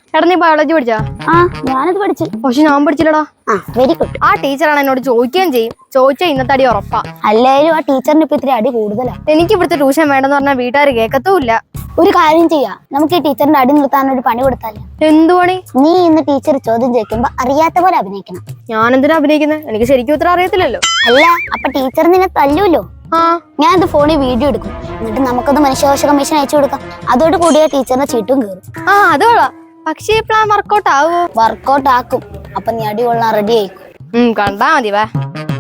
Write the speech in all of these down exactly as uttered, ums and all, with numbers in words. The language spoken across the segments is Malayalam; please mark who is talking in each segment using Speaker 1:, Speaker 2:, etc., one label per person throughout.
Speaker 1: എടാ നീ ബയോളജി പഠിച്ചാ?
Speaker 2: ആ ഞാനത് പഠിച്ചു.
Speaker 1: പക്ഷെ ഞാൻ പഠിച്ചില്ലടാ.
Speaker 2: ആ വെരി ഗുഡ്.
Speaker 1: ആ ടീച്ചറാണ് എന്നോട് ചോദിക്കുകയും ചെയ്യും. ചോദിച്ചാൽ ഇന്നത്തെ അടി ഉറപ്പാ.
Speaker 2: അല്ലായാലും ആ ടീച്ചറിന് ഇപ്പൊ ഇത്തിരി അടി കൂടുതലാ.
Speaker 1: എനിക്ക് ഇവിടുത്തെ ട്യൂഷൻ വേണ്ടെന്ന് പറഞ്ഞാൽ വീട്ടുകാർ കേൾക്കത്തുമില്ല.
Speaker 2: ഒരു കാര്യം ചെയ്യാം, നമുക്ക് ഈ ടീച്ചറിന്റെ അടി നിർത്താൻ ഒരു പണി കൊടുത്താലോ?
Speaker 1: എന്തു പണി?
Speaker 2: നീ ഇന്ന് ടീച്ചർ ചോദ്യം ചോദിക്കുമ്പോ അറിയാത്ത പോലെ അഭിനയിക്കണം.
Speaker 1: ഞാൻ എന്തിനാ അഭിനയിക്കുന്നത്? എനിക്ക് ശരിക്കും ഉത്തരം അറിയത്തില്ലല്ലോ.
Speaker 2: അല്ല, അപ്പൊ ടീച്ചർ നിന്നെ തല്ലൂല്ലോ.
Speaker 1: ആ
Speaker 2: ഞാൻ അത് ഫോണിൽ വീഡിയോ എടുക്കും, എന്നിട്ട് നമുക്കത് മനുഷ്യാവകാശ കമ്മീഷൻ അയച്ചു കൊടുക്കാം. അതോട് കൂടിയ ടീച്ചറിന്റെ ചീട്ടും കയറും.
Speaker 1: ആ അതോളാ. പക്ഷേ ഈ പ്ലാൻ വർക്കൗട്ട് ആവോ?
Speaker 2: വർക്കൗട്ട് ആക്കും. അപ്പൊ നീ അടി കൊള്ളാൻ റെഡി ആയിക്കും.
Speaker 1: ഉം കണ്ടാ മതി. വാ.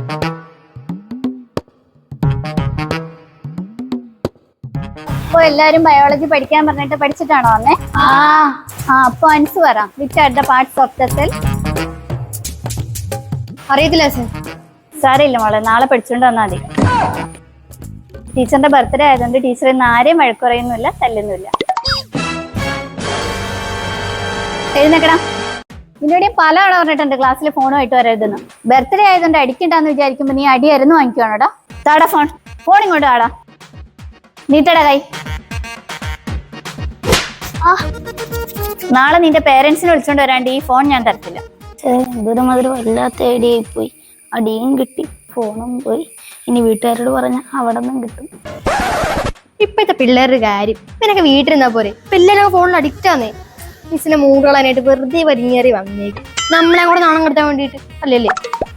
Speaker 3: അപ്പൊ എല്ലാരും ബയോളജി പഠിക്കാൻ പറഞ്ഞിട്ട് പഠിച്ചിട്ടാണോ വന്നേ?
Speaker 2: ആ
Speaker 3: ആ അപ്പൊ അൻസ് പറ. Which are the parts of the cell?
Speaker 1: അറിയത്തില്ല സർ.
Speaker 3: സാരമില്ല മോളെ, നാളെ പഠിച്ചുകൊണ്ട് വന്നാൽ മതി. ടീച്ചറിന്റെ ബർത്ത്ഡേ ആയതുകൊണ്ട് ടീച്ചർ ഇന്ന് ആരെയും വഴക്കുറയുന്നില്ല, തല്ലുന്നില്ല. എഴുന്നേക്കണം. നിന്നോട് പല ആളെ പറഞ്ഞിട്ടുണ്ട് ക്ലാസ്സിൽ ഫോണുമായിട്ട് വരരുതെന്ന്. ബർത്ത്ഡേ ആയതുകൊണ്ട് അടിക്കണ്ടെന്ന് വിചാരിക്കുമ്പോ നീ അടിയായിരുന്നു വാങ്ങിക്കുവാണോടാ? താടാ ഫോൺ. ഫോൺ ഇങ്ങോട്ട് ആടാ. നീട്ടടാ കൈ. ആ നാളെ നിന്റെ പേരൻസിനെ വിളിച്ചോണ്ട് വരാണ്ട് ഈ ഫോൺ ഞാൻ തരത്തില്ല.
Speaker 2: എന്തൊരു മധുരം വല്ലാത്ത ഐഡിയ പോയി. അടിയും കിട്ടി, ഫോണും പോയി. ഇനി വീട്ടുകാരോട് പറഞ്ഞ അവിടെ നിന്നും കിട്ടും.
Speaker 1: ഇപ്പോഴത്തെ പിള്ളേരുടെ കാര്യം ഇവനൊക്കെ വീട്ടിലിരുന്നാ പോരെ. പിള്ളേരൊക്കെ ഫോണിൽ അഡിക്റ്റ് ആന്നേ. മിസ്സിനെ മൂടുകളാനായിട്ട് വെറുതെ വലിഞ്ഞേറി വന്നേക്കും. നമ്മളെ കൂടെ നാണം കെടുത്താൻ വേണ്ടിയിട്ട് അല്ലല്ലേ?